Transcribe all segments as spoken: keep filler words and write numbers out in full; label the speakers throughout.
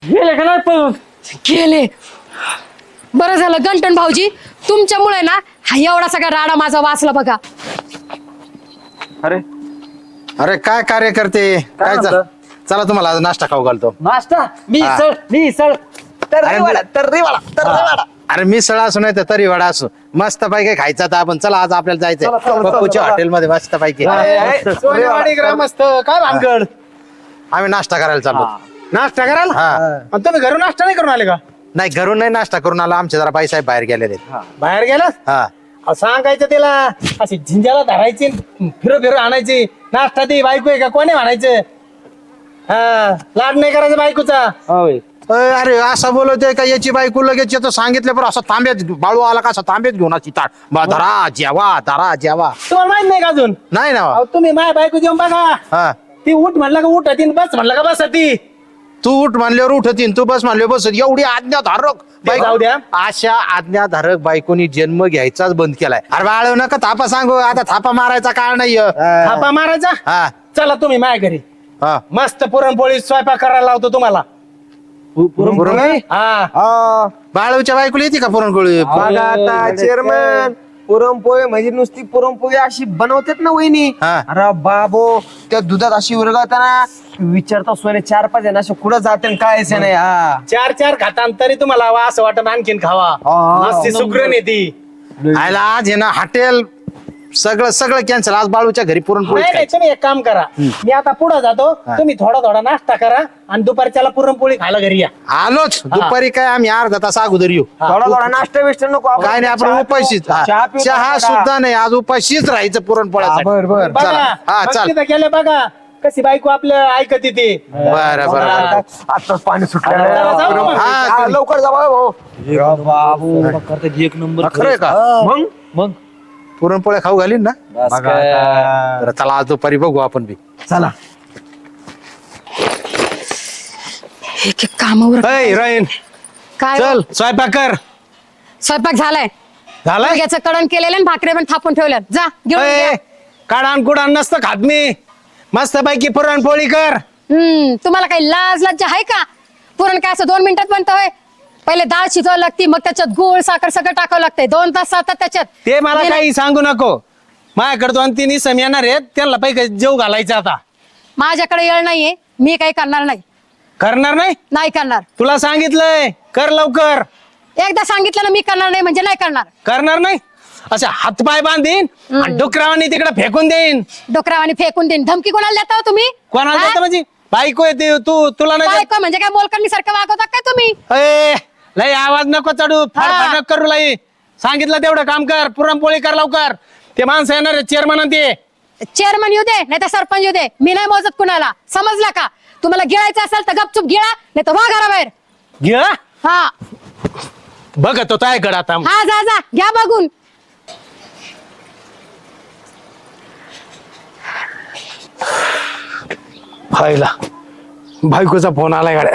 Speaker 1: गेले का नाही पळून?
Speaker 2: गेले. बरं झालं गंटन भाऊजी, तुमच्यामुळे ना हा एवढा सगळा राडा माझा वाचला बघा.
Speaker 1: अरे
Speaker 3: अरे काय कार्य करते काय चा-
Speaker 1: म्हणता?
Speaker 3: चला तुम्हाला आज नाश्ता खाऊ घालतो.
Speaker 1: नाश्ता मी
Speaker 3: हा.
Speaker 1: सळ मी सळ
Speaker 3: अरे मी- अरे मी सळा असू नाही तर तरी वडा असू मस्त पैकी खायचा तर आपण चला आज आपल्याला
Speaker 1: चला, चला,
Speaker 3: जायचंय
Speaker 1: चला,
Speaker 3: पप्पूच्या
Speaker 1: चला.
Speaker 3: हॉटेलमध्ये मस्त पैकी
Speaker 4: सोनेवाडी ग्रामस्थ काय भानगड
Speaker 3: आम्ही नाश्ता करायला चाललो.
Speaker 4: नाश्ता करायला
Speaker 3: हा.
Speaker 4: आणि तुम्ही घरून नाश्ता नाही करून आले का
Speaker 3: नाही घरून नाही नाश्ता करून आला आमचे जरा बाईसाहेब बाहेर गेलेले आहेत.
Speaker 4: बाहेर गेलात
Speaker 3: हा
Speaker 4: अहो, सांगायचं त्याला अशी झिंजाला धरायची फिरो फिरो आणायची नाश्ता ती बायको आहे का कोणी म्हणायचं हा लाड नाही करायचं बायकोचा
Speaker 1: होय.
Speaker 3: अय, अरे असं बोलतोय का याची बायको लगेच येतो सांगितलं पण असं तांब्यात बाळू आला का असं तांब्यात घेऊन अशी ताट बा, धरा जेवा धरा जेवा
Speaker 4: तुम्हाला माहित नाही का अजून
Speaker 3: नाही ना
Speaker 4: अहो, तुम्ही माझ्या बायको जेवण बघा
Speaker 3: हा
Speaker 4: ती उठ म्हणलं का उठ ती बस म्हणलं का बस ती
Speaker 3: तू उठ मानल्यावर उठतीन तू बस मानल्यावर बस एवढी आज्ञाधारक बायको-
Speaker 4: जाऊ द्या.
Speaker 3: अशा आज्ञाधारक बायकोनी जन्म घ्यायचाच बंद केलाय. अरे बाळ नका थापा सांगू आता थापा मारायचा काळ नाही
Speaker 4: थापा मारायचा
Speaker 3: हा
Speaker 4: चला तुम्ही माझ्या घरी
Speaker 3: हा
Speaker 4: मस्त पुरणपोळी स्वयंपाक करायला लावतो तुम्हाला
Speaker 3: पुरणपोळी?
Speaker 4: हा
Speaker 3: बाळूच्या बायकोला येते का पुरणपोळी
Speaker 5: बघा आता चेअरमन पुरणपोळी म्हणजे नुसती पुरणपोळी अशी बनवतात ना वहिनी
Speaker 3: हा.
Speaker 5: अरे बाबो त्या दुधात अशी उरगावताना विचारता सोने चार पाच आहे ना असे कुठं जाते काय यायचं नाही हा
Speaker 4: चार चार खातान तरी तुम्हाला हवा असं वाटत आणखीन खावा मस्ती सुग्रण येते
Speaker 3: आयला आज आहे ना हॉटेल सगळं सगळं कॅन्सल आज बाळूच्या घरी पुरणपोळी
Speaker 4: नाही नाही तुम्ही एक काम करा मी आता पुढे जातो तुम्ही थोडा थोडा नाश्ता करा आणि दुपारच्याला पुरणपोळी खायला घरी या
Speaker 3: आलोच दुपारी काय आम्ही अर्धा तास अगोदर येऊ
Speaker 5: थोडा थोडा नाश्ता बिष्ट नको आपण
Speaker 3: काय नाही आपण
Speaker 5: चहा
Speaker 3: उपाशीच
Speaker 5: पिऊ,
Speaker 3: हा.
Speaker 5: चहा पिऊ
Speaker 3: चहा
Speaker 5: थोडा.
Speaker 3: सुद्धा नाही आज उपाशीच राहायचं पुरणपोळ्यासाठी
Speaker 5: बर बर
Speaker 3: चला
Speaker 4: बघा
Speaker 3: हा
Speaker 4: मग
Speaker 3: चल
Speaker 4: तिथं गेले बघा कशी बायको आपलं ऐकत येते
Speaker 3: बरं बरं बरं
Speaker 5: आताच पाणी सुटलं
Speaker 4: चला, जाऊ मग.
Speaker 3: हा,
Speaker 5: हा, लवकर जावा भाऊ
Speaker 1: बाबू करतात एक नंबर
Speaker 3: खरंय का
Speaker 5: मग
Speaker 1: मग
Speaker 3: पुरणपोळ्या खाऊ घालीन ना
Speaker 1: बस काय.
Speaker 3: बरं, चला आज दुपारी बघू आपण बी
Speaker 5: चला
Speaker 2: एक एक कामावर
Speaker 4: अय राहीन
Speaker 2: काय हो?
Speaker 4: चल स्वयंपाक कर
Speaker 2: स्वयंपाक झालाय.
Speaker 4: झालाय
Speaker 2: याचं कडण केलेलं आणि भाकरे पण थापून ठेवल्या. जा घेऊन
Speaker 4: अय,
Speaker 2: या.
Speaker 4: काढान कुडान नसतं खात मी मस्त पैकी पुरणपोळी कर
Speaker 2: हम्म तुम्हाला काही लाज लज्जा आहे का? पुरण काय असं दोन मिनिटात बनतं होय? पहिले डाळ शिजवावी लागती मग त्याच्यात गुळ साखर सगळं टाकावं लागतंय दोन तास जातात त्याच्यात.
Speaker 4: ते मला
Speaker 2: मी ना-
Speaker 4: काही सांगू नको माझ्याकडे दोन तीन इसम येणार आहेत त्यांना पैकी जेव घालायचं आता
Speaker 2: माझ्याकडे येळ नाहीये मी काही करणार नाही.
Speaker 4: करणार नाही
Speaker 2: नाही करणार.
Speaker 4: तुला सांगितलंय कर लवकर
Speaker 2: एकदा सांगितलं ना मी करणार नाही म्हणजे नाही करणार.
Speaker 4: करणार नाही असे हातपाय बांधीन आणि डुकरावानी तिकडे फेकून देईन
Speaker 2: डोकरावानी फेकून देईन. धमकी कोणाला देता हो तुम्ही?
Speaker 4: कोणाला
Speaker 2: हा?
Speaker 4: देतं म्हणजे बायको येते तू तुला नाही देत?
Speaker 2: बायको म्हणजे काय मोलकरणी सारखं वागवता काय तुम्ही?
Speaker 4: अय, लय आवाज नको चढू
Speaker 2: हा.
Speaker 4: फाडफाड नको करू लई सांगितलं तेवढं काम कर पुरणपोळी कर लवकर ते माणसं येणार चेअरमन ते
Speaker 2: चेअरमन येऊ दे नाही तर सरपंच येऊ दे मी नाही मोजत कुणाला समजला का? तुम्हाला गिळायचं असेल तर गपचूप गिळा नाही तर वा घराबाहेर.
Speaker 4: घे
Speaker 2: हा
Speaker 4: बघत होता गड आता
Speaker 2: हा जा जा घ्या बघून.
Speaker 4: फायला बायकोचा फोन आलाय गाड्या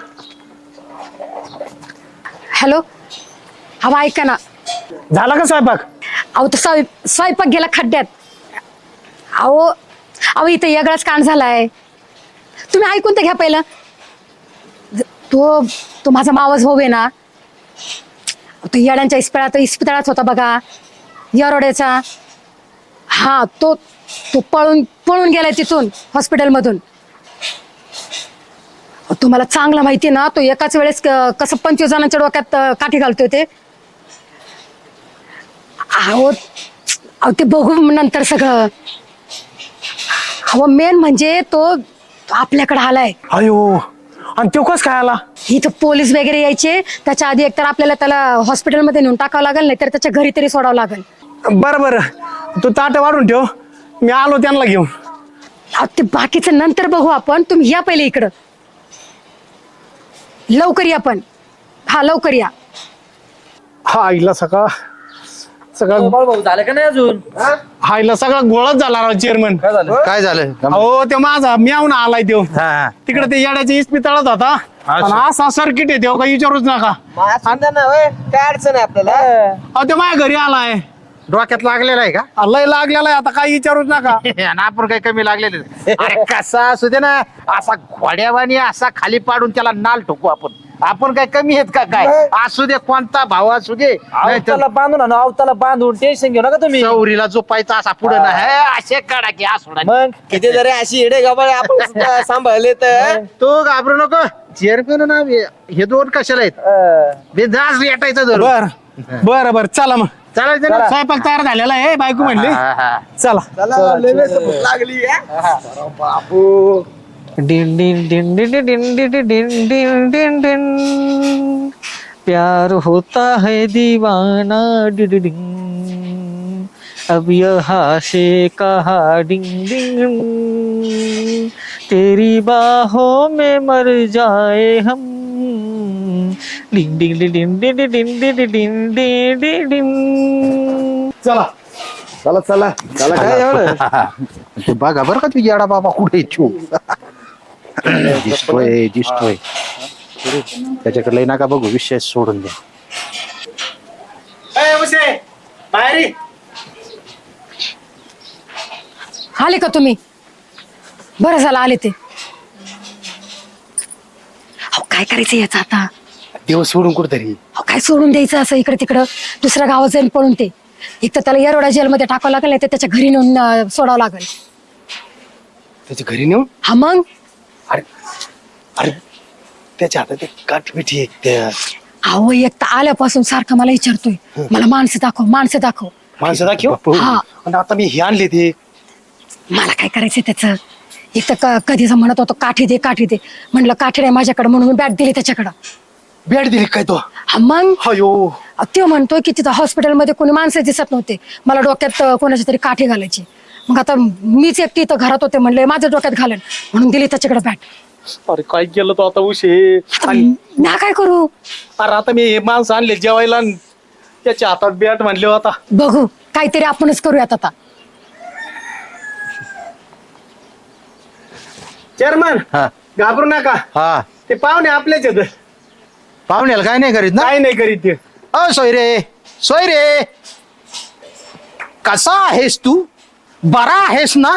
Speaker 2: हॅलो हवा ऐका ना.
Speaker 4: झाला का स्वयंपाक
Speaker 2: अहो तर स्वय स्वयंपाक गेला खड्ड्यात. अहो अहो इथं वेगळाच कांड झालाय. तुम्ही ऐकून तर घ्या पहिलं. ज- तो तो माझा मावस भाऊ आहे ना तो येड्यांच्या इस्पितळात इस्पितळात होता बघा येरोड्याचा. हा तो तो पळून पळून गेलाय तिथून हॉस्पिटलमधून. अहो, तुम्हाला चांगलं माहिती ना तो एकाच वेळेस क- कसं पंचवीस जणांच्या डोक्यात अं, काठी घालतोय ते. अहो अहो ते बघू नंतर सगळं. अहो मेन म्हणजे तो तो आपल्याकडे आलाय.
Speaker 4: अयो आणि तो कस काय आला
Speaker 2: इथं पोलीस वगैरे यायचे त्याच्या आधी एकतर आपल्याला त्याला हॉस्पिटलमध्ये नेऊन टाकावं लागेल नाही तर त्याच्या घरी तरी सोडावं लागेल.
Speaker 4: बरं बरं तू ताट वाढून ठेव मी आलो त्यांना घेऊन
Speaker 2: अहो, ते बाकीचं नंतर बघू आपण. तुम्ही या पहिले इकडं लवकर या पण. हा लवकर या.
Speaker 4: हा आईला सकाळ सगळा
Speaker 1: भाऊ झालं का नाही अजून?
Speaker 4: हा आईला सगळा गोळाच झाला राव चेअरमन
Speaker 1: काय झालं?
Speaker 3: काय झालं
Speaker 4: अहो ते माझा म्यावून आलाय तो
Speaker 3: हा हा
Speaker 4: तिकडे ते येड्याच्या इस्पितळात होता आणि असा सर्किट येते का विचारूच नका
Speaker 5: मग असं द्या ना होय. काय अडचण आहे आपल्याला
Speaker 4: अहो ते माझ्या घरी आलाय
Speaker 3: डोक्यात लागलेला आहे का
Speaker 4: लय लागलेला आहे आता काही विचारूच नका.
Speaker 3: आणि आपण काही कमी लागलेले अरे कसा असू दे ना असा घोड्यावानी असा खाली पाडून त्याला नाल ठोकू आपण आपण काय कमी आहेत का काय असू दे कोणता भाव असू दे नाहीतर
Speaker 1: अवताला बांधून आणू अवताला बांधून टेन्शन घेऊ नका तुम्ही.
Speaker 3: चौरीला झोपायचा असा पुढे ना हे असे काढा की असोडा
Speaker 1: मग
Speaker 5: किती जरी अशी येडे गबाळ आपण सुद्धा सांभाळले तर
Speaker 3: तो घाबरू नको चेअरमॅन ना हे हे दोन कशाला आहेत
Speaker 1: अं,
Speaker 3: बेदास भेटायचं धरून
Speaker 4: बर बर बर चला मग
Speaker 3: चालायचं ना
Speaker 4: स्वयंपाक तयार झालेला आहे बायको म्हणली
Speaker 3: हा, हा.
Speaker 4: चला.
Speaker 5: चला लय वेळ भूक लागली बाबू
Speaker 1: डिन डिन डिन डिन डिन डिन डिन डिन डिन डिन प्यार होता है दीवाना डिन डिन अब यहाँ से कहा डिंग डिंग तेरी बाहों में मर जाए हम डिंग डिंग डिंग डिंग डिंग डिंग डिंग डिंग डिंग डिंग डिंग.
Speaker 4: चला
Speaker 5: चला चला चला काय एवढं
Speaker 3: तू बघा बरं का तू येडा बाबा कुठे छू दिसतोय दिसतोय त्याच्याकडे लय नका बघू विषय सोडून द्या
Speaker 4: ए, उशे, बाहेर ये.
Speaker 2: आले का तुम्ही बरं झालं आले ते. अहो काय करायचं याचं आता.
Speaker 4: देव सोडून कुठतरी
Speaker 2: अहो काय सोडून द्यायचं असं इकडे तिकडं दुसऱ्या गावात जाईन पळून ते. एक तर त्याला येरोडा जेलमध्ये टाकावं लागेल नाही तर त्याच्या घरी नेऊन अं, सोडावं लागेल.
Speaker 4: त्याच्या घरी नेऊन
Speaker 2: हा मग
Speaker 4: अरे अरे त्याच्या हातात एक काठपिठी आहे त्या
Speaker 2: अहो एक तर आल्यापासून सारखं मला विचारतोय मला माणसं दाखव माणसं दाखव.
Speaker 4: माणसं दाखव
Speaker 2: हा.
Speaker 4: आणि आता मी हे आणले ते
Speaker 2: मला काय करायचं त्याचं. एक तर क- कधीच म्हणत होतो काठी दे काठी दे म्हणलं काठी नाही माझ्याकडे म्हणून मी बॅट दिली त्याच्याकडं.
Speaker 4: भेट दिली काय तो
Speaker 2: हा मग
Speaker 4: अयो
Speaker 2: अहो, तो म्हणतोय की तिथं हॉस्पिटलमध्ये कोणी माणसं दिसत नव्हते मला डोक्यात अं, कोणाची तरी काठी घालायची. मग आता मीच एकटी इथं घरात होते म्हणले माझ्या डोक्यात घालन म्हणून दिली त्याच्याकडे बॅट.
Speaker 4: अरे काय केलं तो आता उशे
Speaker 2: आता ना काय करू
Speaker 4: अरे आता मी हे माणसं आणले जेवायला आणि त्याच्या हातात बॅट म्हणले आता
Speaker 2: बघू काहीतरी आपणच करूयात आता.
Speaker 4: चेअरमन
Speaker 3: हा
Speaker 4: घाबरू नका
Speaker 3: हा
Speaker 4: ते पाहुणे आपल्याच आहेत
Speaker 3: पाहुण्याला काय नाही करीत ना
Speaker 4: काय नाही करीत ते
Speaker 3: अ सोयरे सोयरे कसा आहेस तू बरा आहेस ना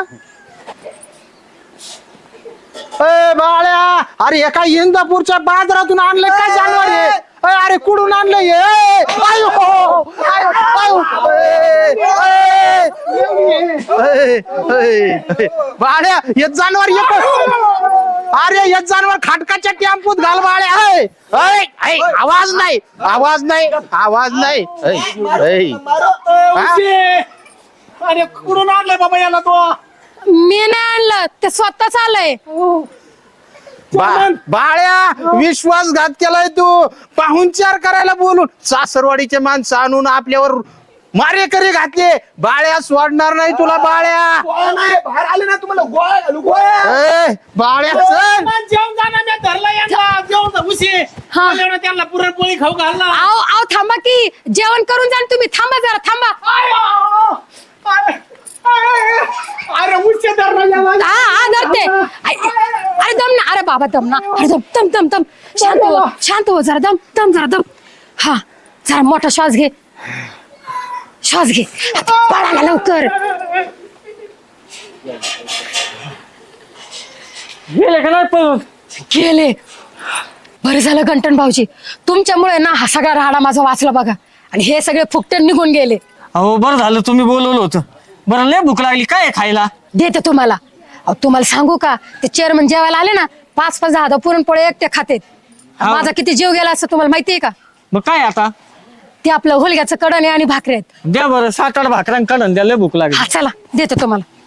Speaker 3: ए बाळ्या अरे एका इंदापूरच्या बाजारातून आणलं काय जानवर आहे अय, अरे कुठून आणलं हे? ए, आयो, आयो, आयो, ए, ए, ए, ए, ए, बाळ्या हे जानवर येत अरे हे जानवर खाटकाच्या टेम्पूत घाल बाळ्या ए, ए, ए, आवाज नाही आवाज नाही आवाज नाही ए, ए. हा?
Speaker 4: अरे कुठून आणलाय बाबा याला तो
Speaker 2: मी नाही आणलं ते स्वतःच आलंय.
Speaker 3: बा- बाळ्या विश्वासघात केलाय तू पाहुणचार करायला बोलून सासरवाडीचे माणसं आणून आपल्यावर मारेकरी घातले बाळ्या सोडणार नाही तुला बाळ्या
Speaker 5: बाहेर आले ना तुम्हाला गोळ्या घालू गोळ्या
Speaker 3: ए, बाळ्या चल
Speaker 4: जेवण जाणार मी धरला यांना जेवण उशी
Speaker 2: हा.
Speaker 4: त्यांना पुरणपोळी खाऊ घालला
Speaker 2: आओ आओ थांबा की जेवण करून जा ना तुम्ही थांबा जरा थांबा.
Speaker 4: अरे उशी धरला
Speaker 2: हा हा धरते. आई, अरे दम ना अरे बाबा दम ना अरे दम दम दम दम शांत हो शांत हो जरा दम दम जरा दम. हा जरा मोठा श्वास घे श्वास घे पळाला लवकर.
Speaker 1: गेले का नाही पळून
Speaker 2: गेले. बरं झालं गंटन भाऊजी तुमच्यामुळे ना हा सगळा राडा माझा वाचला बघा आणि हे सगळे फुकटे निघून गेले.
Speaker 1: अहो बरं झालं तुम्ही बोलवलं होतं. बरं लय भूक लागली काय आहे खायला.
Speaker 2: देते तुम्हाला. अहो तुम्हाला सांगू का ते चेअरमन जेवायला आले ना पाच पाच दहा दहा पुरणपोळे एकटे खातेत.
Speaker 1: हा.
Speaker 2: माझा किती जीव गेला असं तुम्हाला माहितीये का.
Speaker 1: मग काय आता
Speaker 2: ते आपलं होलग्याचं कडण आहे आणि भाकरी आहेत.
Speaker 1: द्या बरं सात आठ भाकऱ्यां काढून द्या लय भूक लागली.
Speaker 2: हा चला देते तुम्हाला.